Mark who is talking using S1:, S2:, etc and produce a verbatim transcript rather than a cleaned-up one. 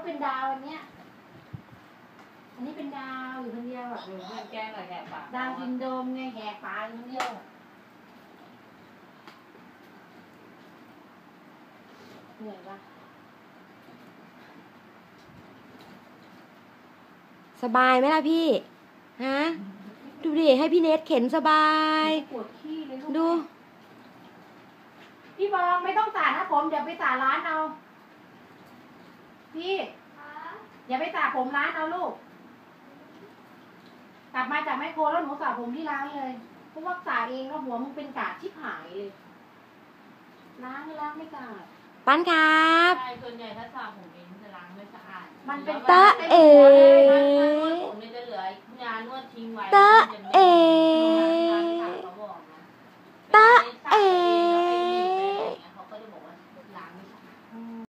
S1: เป็นดาวอันเนี้ยอันนี้เป็นดาวอยู่คนเดียวอ่ะ
S2: แก้งกับแหกปาก
S1: ดาวซินโดรมไงแหกปากอยู่คนเดียวเหนื่อยปะ
S3: สบายไหมล่ะพี่ฮะดูดิให้พี่เนทเข็นสบาย
S1: ปวดขี้เลยลูก
S3: ดู
S1: พี่บองไม่ต้องสาดนะผมเดี๋ยวไปสาร้านเอาพี่อย่าไปสาผมร้านเอาลูกกลับมาจากแม่โคแล้วหนูสาผมที่ร้านเลยเพราะว่าสาเองแล้วหัวมึงเป็นกาดชิบหายเลยล้างไม่ล้างไม่กาด
S3: ปั้นครับ
S2: ใช่ส่วนใหญ่ถ้าสาผมเองจะล้างไม่สะอาด
S1: มันเป็น
S3: ตาเอ๋
S2: ผมจะเหลือยานวดทิ้งไว้
S3: ตาเอ๋ตาเอ๋